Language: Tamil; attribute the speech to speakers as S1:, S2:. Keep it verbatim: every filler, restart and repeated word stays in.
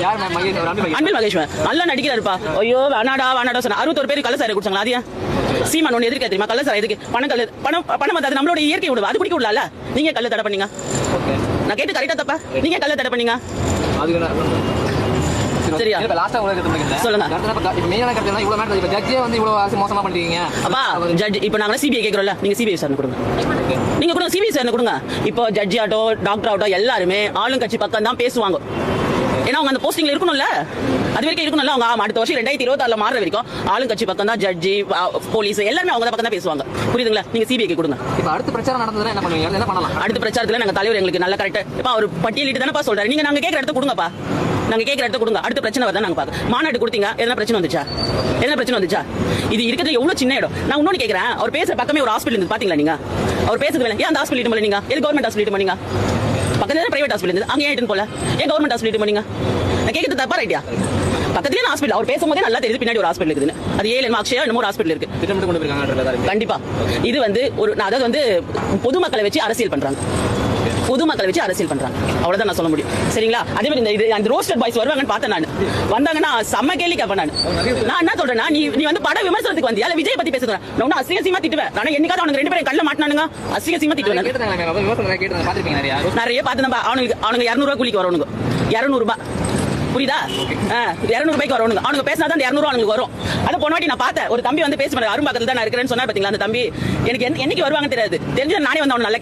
S1: அன்பில் மகேஷ்வரன் நல்லா நடிக்கிறாருப்பா. ஐயோ வேணாடா வேணாடா சொன்ன அறுபத்தொரு பேர் கள்ள சாரை குடிச்சாங்களா? அது சீமான் ஒண்ணு எதிர்க்க தெரியுமா? கள்ள சாரை எதுக்கு? பணம் கல்லு பணம் பணம் அது நம்மளோட இயற்கை விடுவா, அது குடிக்க விடல. நீங்க கள்ள தடை பண்ணீங்க. நான் கேட்டு கரெக்டா தப்பா? நீங்க கள்ள தடை பண்ணீங்க. சரியா? சொல்லுங்க. அப்பா ஜட்ஜ் இப்ப நாங்க சிபிஐ கேக்குறோம்ல, நீங்க சிபிஐ சார் கொடுங்க. நீங்க கொடுங்க, சிபிஐ சார் கொடுங்க. இப்போ ஜட்ஜி ஆட்டோ டாக்டர் ஆட்டோ எல்லாருமே ஆளுங்கட்சி பக்கம் தான் பேசுவாங்க. ஏன்னா அவங்க அந்த போஸ்டிங்ல இருக்கணும்ல, அது வரைக்கும் இருக்கணும்ல. அவங்க அடுத்த வருஷம் ரெண்டாயிரத்தி இருபத்தி ஆறுல மாற வரைக்கும் ஆளுங்கட்சி பக்கம் தான் ஜட்ஜி போலீஸ் எல்லாருமே அவங்க பக்கம் தான் பேசுவாங்க. புரியுதுங்களா? நீங்க சிபிஐ கொடுங்க.
S2: இப்ப அடுத்த பிரச்சாரம் நடந்ததுன்னா என்ன பண்ணுவீங்க? என்ன பண்ணலாம்?
S1: அடுத்த பிரச்சாரத்துல நாங்க தலைவர் எங்களுக்கு நல்ல கரெக்டா இப்ப அவர் பட்டியலிட்டு தானப்பா சொல்றாரு. நீங்க நாங்க கேட்கற இடத்த கொடுங்கப்பா, நாங்க கேட்கற இடத்த கொடுங்க. அடுத்த பிரச்சனை வருதா நாங்க பாக்க. மாநாடு கொடுத்தீங்க, எதனா பிரச்சனை வந்துச்சா? எதனா பிரச்சனை வந்துச்சா? இது இருக்கிறது எவ்வளவு சின்ன இடம். நான் இன்னொன்னு கேட்கறேன், அவர் பேசுற பக்கமே ஒரு ஹாஸ்பிட்டல் இருந்து பாத்தீங்களா? நீங்க அவர் பேசுறது வேலை ஏன் அந்த ஹாஸ்பிட்டல் போல? நீங்க எது கவர்மெண்ட் ஹாஸ்பிட்டல் போனீங்க? பக்கத்துல பிரைவேட் ஹாஸ்பிட்டல் இருந்து அங்கே ஏன் போல? ஏன் கவர்மெண்ட் ஹாஸ்பிட்டல் போனீங்க? நான் கேட்கறது தப்பா ரைட்டியா? பக்கத்துலயே ஹாஸ்பிட்டல் அவர் பேசும்போதே நல்லா தெரியுது பின்னாடி ஒரு ஹாஸ்பிட்டல் இருக்குன்னு. அது ஏழு அக்ஷயா இன்னொரு ஹாஸ்பிட்டல் இருக்கு.
S2: திட்டமிட்டு கொண்டு போயிருக்காங்க.
S1: கண்டிப்பா இது வந்து ஒரு அதாவது வந்து பொதுமக்களை வச்சு அரசியல் பண்றாங்க. பொதுமக்களை வச்சு அரசியல் பண்றாங்க, அவ்வளவுதான் நான் சொல்ல முடியும். சரிங்களா? அதே மாதிரி இந்த இது அந்த ரோஸ்டட் பாய்ஸ் வருவாங்கன்னு பார்த்தேன். நான் வந்தாங்கன்னா செம்ம கேள்வி கேட்பேன். நான் நான் என்ன சொல்றேன்னா, நீ நீ வந்து பட விமர்சனத்துக்கு வந்தியா இல்ல விஜய் பத்தி பேசுறேன்? நான் அசிங்கமா திட்டுவேன். நான் என்னைக்காவது அவனுக்கு ரெண்டு பேரும் கல்ல மாட்டினானுங்க, அசிங்கமா திட்டுவேன். நிறைய பார்த்து அவனுக்கு அவனுக்கு இருநூறு ரூபாய் கூலிக்கு வரணுங்க. இருநூறு ரூபாய் புரியுதா? இருநூறு ரூபாய்க்கு வரணுங்க. அவனுக்கு பேசினாதான் இருநூறு அவனுக்கு வரும். அதை போன வாட்டி நான் பார்த்தேன், ஒரு தம்பி வந்து பேசுறேன், அரும்பாக்கத்தில் தான் நான் இருக்கிறேன்னு சொன்னா பாத்தீங்களா? அந்த தம்பி எனக்கு என்னைக்கு வருவாங்கன்னு தெரியாது. தெரிஞ்சு நானே வந்து அவன் நல்ல